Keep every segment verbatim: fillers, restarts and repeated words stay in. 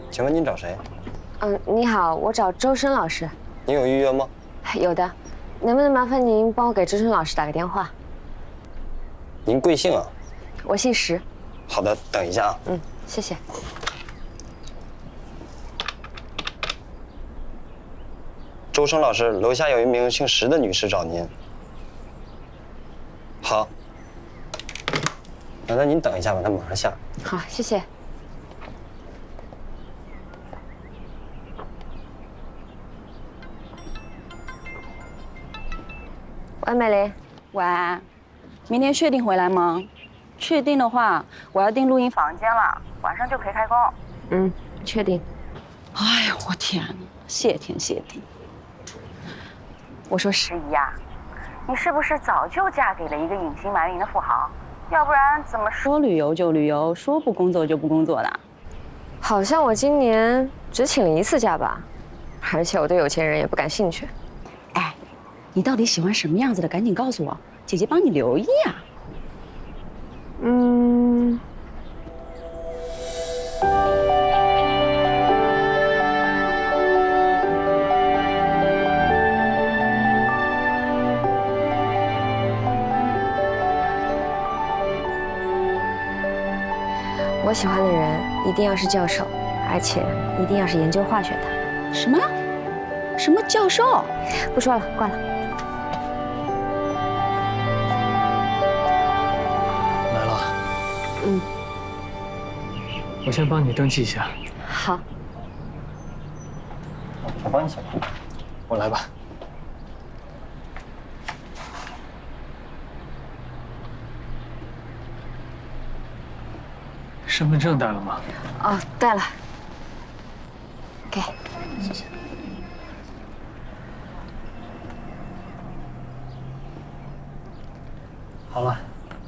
请问您找谁？ 嗯，你好，我找周深老师。 您有预约吗？ 有的，能不能麻烦您帮我给周深老师打个电话？ 您贵姓啊？ 我姓石。 好的，等一下啊。 嗯，谢谢。 周深老师，楼下有一名姓石的女士找您。好，那那您等一下吧，她马上下。 好，谢谢。喂，美玲。 喂，明天确定回来吗？确定的话，我要订录音房间了，晚上就可以开工。 嗯，确定。 哎呀，我天哪，谢天谢地！我说石姨呀，你是不是早就嫁给了一个隐姓埋名的富豪？要不然怎么说旅游就旅游，说不工作就不工作的？ 好像我今年只请了一次假吧，而且我对有钱人也不感兴趣。 哎，你到底喜欢什么样子的？赶紧告诉我，姐姐帮你留意啊。 嗯。我喜欢的人一定要是教授，而且一定要是研究化学的。 什么？什么教授？ 不说了，挂了。 来了。 嗯。 我先帮你登记一下。 好。 我帮你写。 我来吧。身份证带了吗？ 哦，带了。给，谢谢。 好了，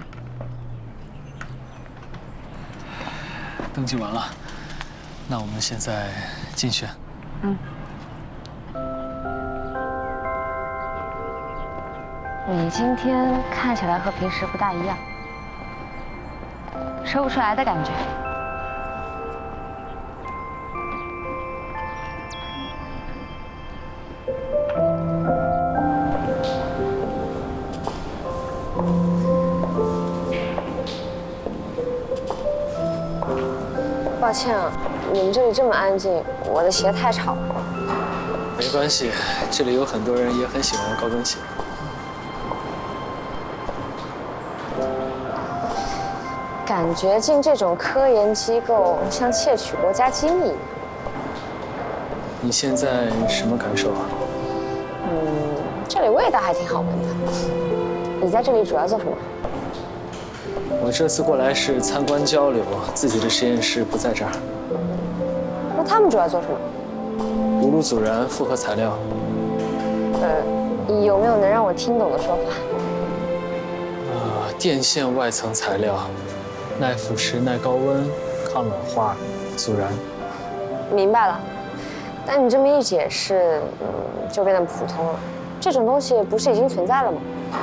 登记完了，那我们现在进去。 嗯。你今天看起来和平时不大一样。说不出来的感觉。抱歉啊，你们这里这么安静，我的鞋太吵了。 没关系，这里有很多人也很喜欢高跟鞋。 感觉进这种科研机构像窃取国家机密。 你现在什么感受啊？ 嗯，这里味道还挺好闻的。你在这里主要做什么？ 我这次过来是参观交流，自己的实验室不在这儿。 那他们主要做什么？ 无卤阻燃复合材料。 呃，有没有能让我听懂的说法？ 呃，电线外层材料。耐腐蚀、耐高温、抗老化、阻燃。 明白了，但你这么一解释，嗯，就变得普通了。这种东西不是已经存在了吗？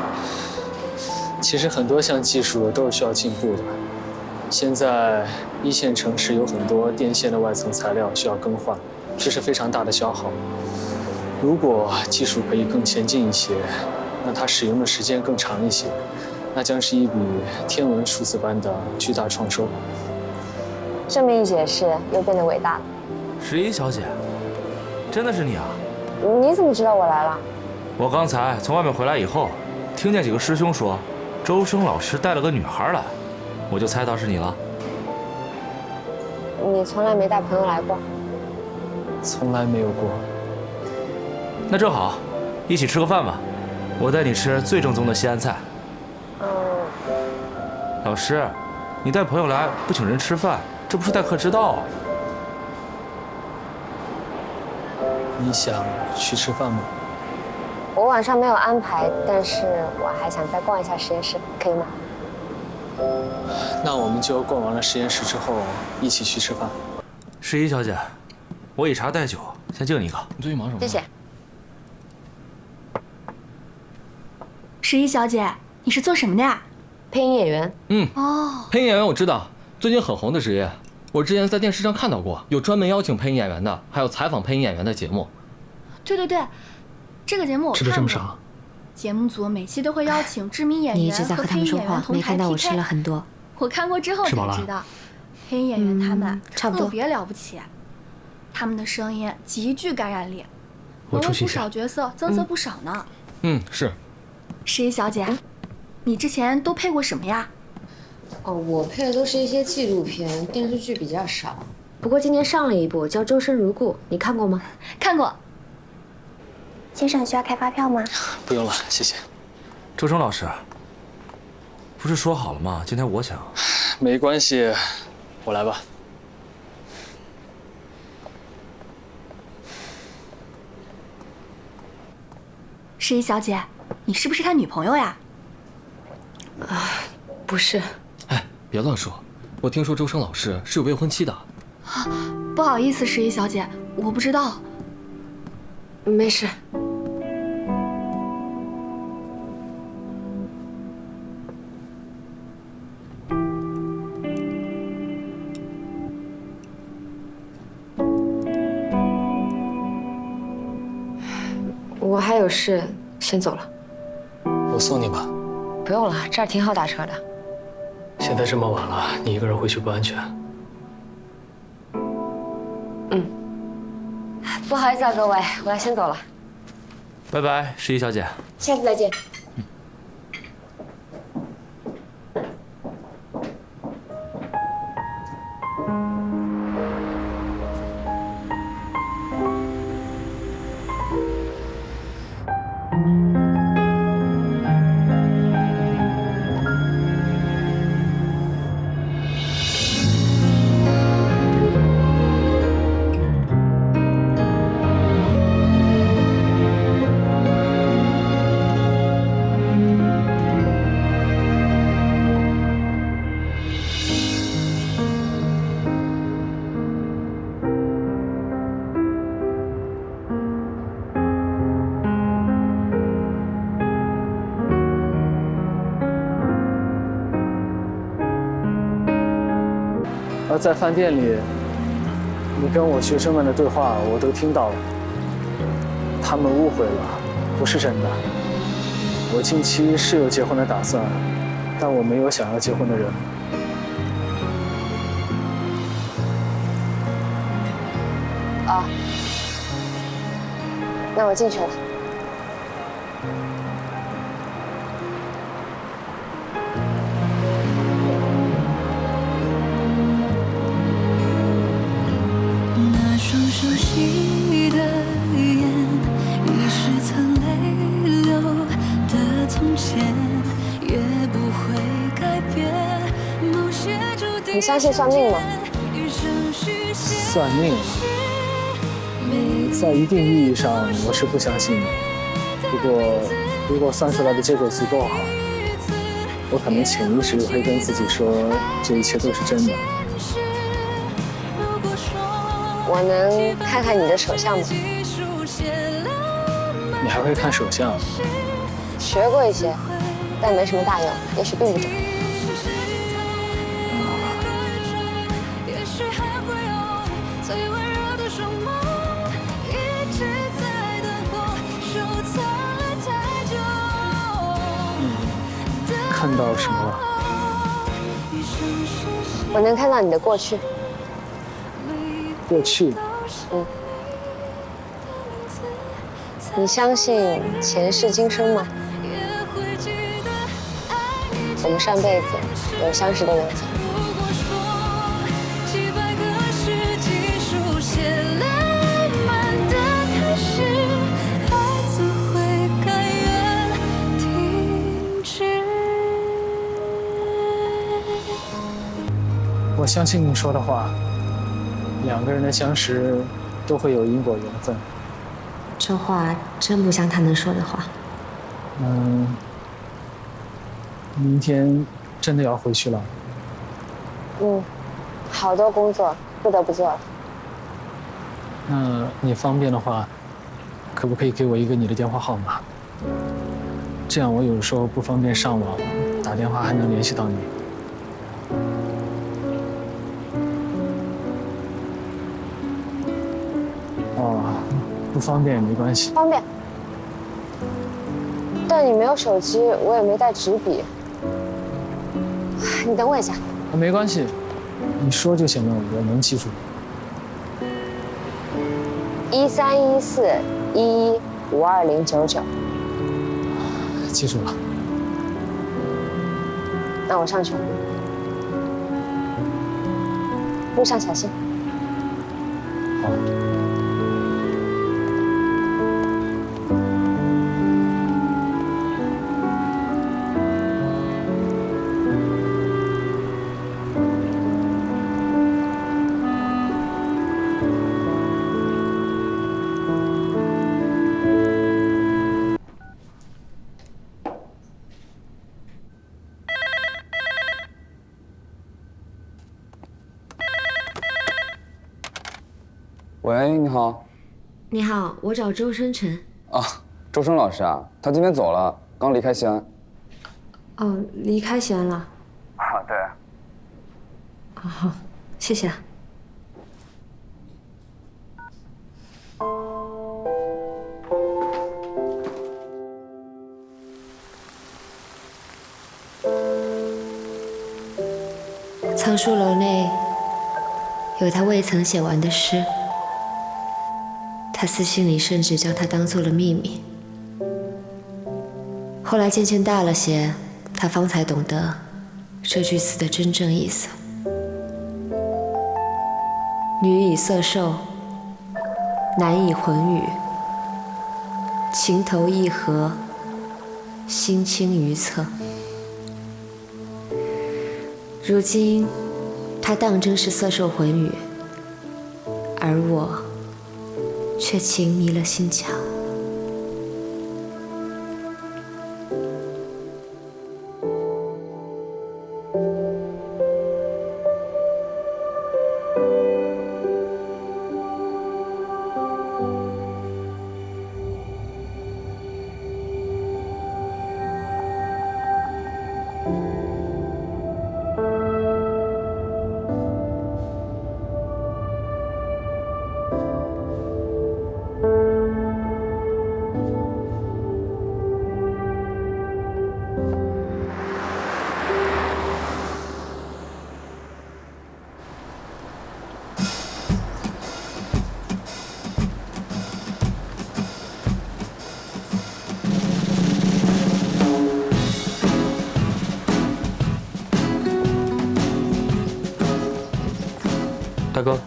其实很多项技术都是需要进步的。现在一线城市有很多电线的外层材料需要更换，这是非常大的消耗。如果技术可以更前进一些，那它使用的时间更长一些。那将是一笔天文数字般的巨大创收。 这么一解释，又变得伟大了。 十一小姐，真的是你啊？ 你怎么知道我来了？ 我刚才从外面回来以后，听见几个师兄说，周生老师带了个女孩来，我就猜到是你了。 你从来没带朋友来过？ 从来没有过。 那正好，一起吃个饭吧，我带你吃最正宗的西安菜。 嗯。 老师，你带朋友来不请人吃饭，这不是待客之道啊！ 你想去吃饭吗？ 我晚上没有安排，但是我还想再逛一下实验室，可以吗？ 那我们就逛完了实验室之后，一起去吃饭。 十一小姐，我以茶代酒，先敬你一个。 你最近忙什么？ 谢谢。 十一小姐，你是做什么的呀？ 配音演员。 嗯。 哦。 配音演员我知道，最近很红的职业。 我之前在电视上看到过，有专门邀请配音演员的，还有采访配音演员的节目。 对对对，这个节目我看过。 吃的这么少？ 节目组每期都会邀请知名演员你一直在和他们说话，没看到我吃了很多。 我看过之后才知道，配音演员他们差不多特别了不起，他们的声音极具感染力， 我出去一下。 为不少角色增色不少呢。 嗯，是。 十一小姐，你之前都配过什么呀？ 哦，我配的都是一些纪录片，电视剧比较少。不过今年上了一部叫《周生如故》，你看过吗？ 看过。 先生需要开发票吗？ 不用了，谢谢。 周生老师，不是说好了吗？今天我抢。 没关系，我来吧。 十一小姐，你是不是他女朋友呀？ 啊，不是。 哎，别乱说，我听说周生老师是有未婚妻的。 啊，不好意思，十一小姐，我不知道。 没事。我还有事，先走了。 我送你吧。 不用了，这儿挺好打车的。 现在这么晚了，你一个人回去不安全。 嗯。不好意思啊，各位，我要先走了。 拜拜，十一小姐。 下次再见。 嗯。 而在饭店里，你跟我学生们的对话我都听到了，他们误会了，不是真的。我近期是有结婚的打算，但我没有想要结婚的人。 啊，那我进去了。 双熟悉的眼，已是曾泪流的从前，也不会改变。某些注定。 你相信算命吗？ 算命，在一定意义上我是不相信的。不过，如果算出来的结果足够好，我可能潜意识里会跟自己说，这一切都是真的。 我能看看你的手相吗？ 你还会看手相？ 学过一些，但没什么大用，也许并不准。 嗯，看到什么了？ 我能看到你的过去。 过去， 嗯，你相信前世今生吗？我们上辈子有相识的缘分。 我相信你说的话。两个人的相识都会有因果缘分。 这话真不像他能说的话。 嗯，明天真的要回去了。 嗯，好多工作不得不做了。 那你方便的话，可不可以给我一个你的电话号码？这样我有时候不方便上网，打电话还能联系到你。 哦，不方便也没关系。 方便。但你没有手机，我也没带纸笔。你等我一下。 啊，没关系，你说就行了，我能记住。 一三一四一一五二零九九。 记住了。 那我上去了，路上小心。 好。 喂，你好。 你好，我找周生辰。 啊，周生老师啊，他今天走了，刚离开西安。 哦，离开西安了。 啊，对。 哦，好，谢谢啊。藏书楼内有他未曾写完的诗。他私信里甚至将它当做了秘密。后来渐渐大了些，他方才懂得这句词的真正意思。女以色受，男以魂语，情投意合，心倾于侧。如今，他当真是色受魂语，而我却情迷了心墙。 大哥，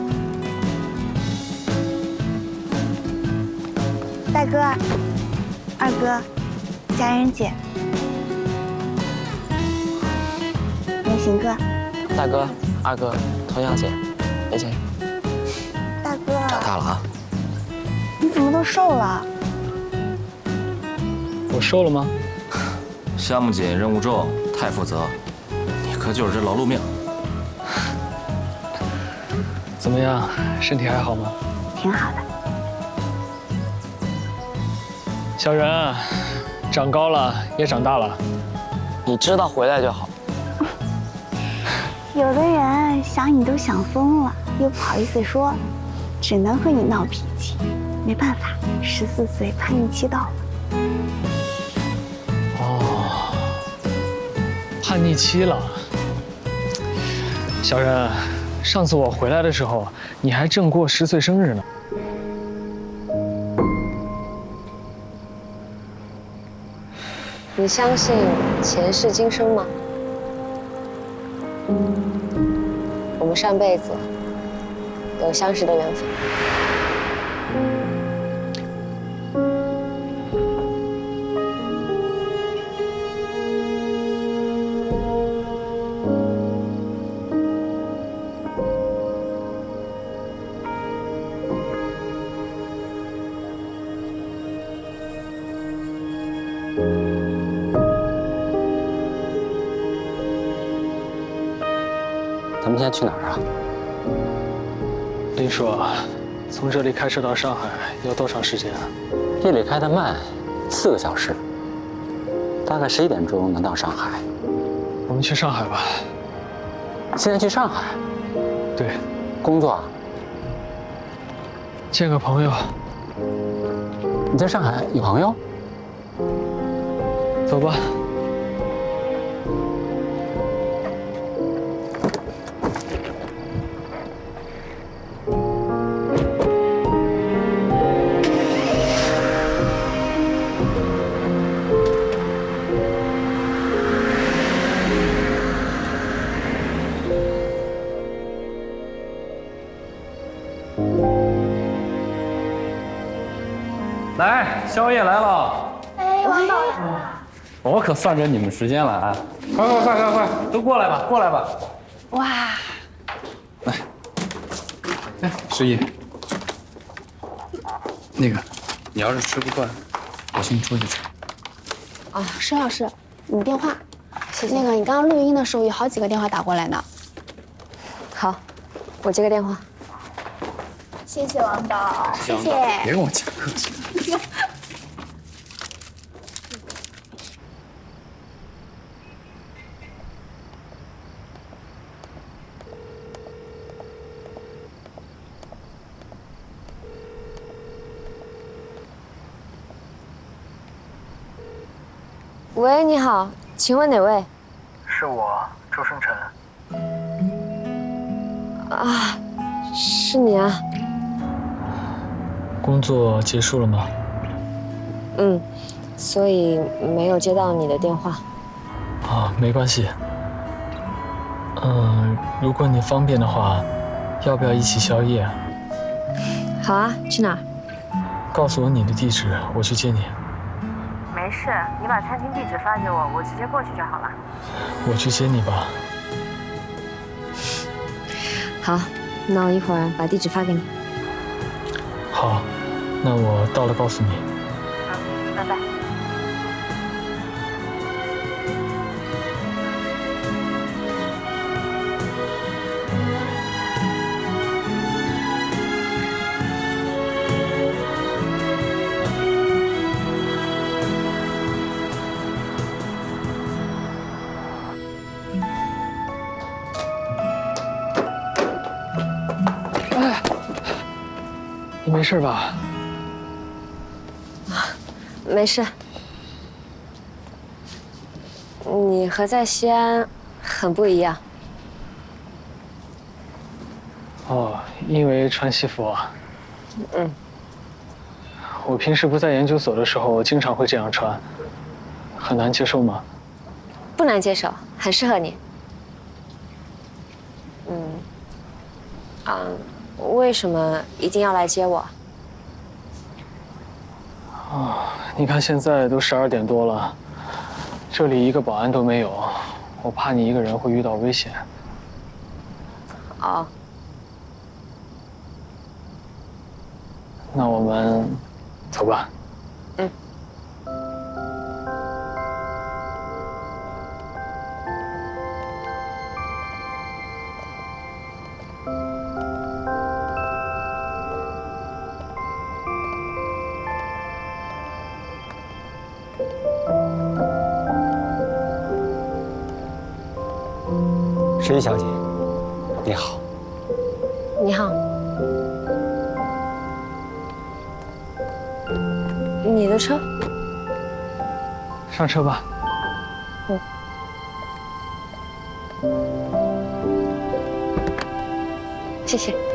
大哥，二哥，佳人姐，明行哥， 大哥，二哥，童瑶姐，梅姐。 大哥， 长大了啊！ 你怎么都瘦了？ 我瘦了吗？ 项目紧，任务重，太负责，你可就是这劳碌命。 怎么样，身体还好吗？ 挺好的。 小人，长高了，也长大了。 你知道回来就好。 有的人想你都想疯了，又不好意思说，只能和你闹脾气。没办法，十四岁叛逆期到了。 哦，叛逆期了。小人，上次我回来的时候，你还正过十岁生日呢。 你相信前世今生吗？我们上辈子有相识的缘分。 咱们现在去哪儿啊？ 林叔，从这里开车到上海要多长时间啊？ 夜里开得慢，四个小时，大概十一点钟能到上海。 我们去上海吧。 现在去上海？ 对。 工作啊？ 见个朋友。 你在上海有朋友？ 走吧。 来，宵夜来了！ 哎，王导， 我可算着你们时间了啊！快快快快快，都过来吧，过来吧！ 哇， 来，哎，十一，那个，你要是吃不惯，我请你出去吃。 啊，沈老师，你电话。那个，你刚刚录音的时候有好几个电话打过来呢。 好，我接个电话。 谢谢王导，谢谢。 别跟我讲客气。 喂，你好，请问哪位？ 是我，周生辰。 啊，是你啊。 工作结束了吗？ 嗯，所以没有接到你的电话。 啊，没关系。嗯，如果你方便的话，要不要一起宵夜？ 好啊，去哪儿？ 告诉我你的地址，我去接你。 没事，你把餐厅地址发给我，我直接过去就好了。 我去接你吧。 好，那我一会儿把地址发给你。 好，那我到了告诉你。 嗯，拜拜。 你没事吧？ 没事。你和在西安很不一样。 哦，因为穿西服啊。 嗯。 我平时不在研究所的时候，经常会这样穿，很难接受吗？ 不难接受，很适合你。嗯。啊。为什么一定要来接我？ 啊，你看现在都十二点多了，这里一个保安都没有，我怕你一个人会遇到危险。 哦。 那我们走吧。 嗯。 十一小姐，你好。 你好。你的车？ 上车吧。 嗯。谢谢。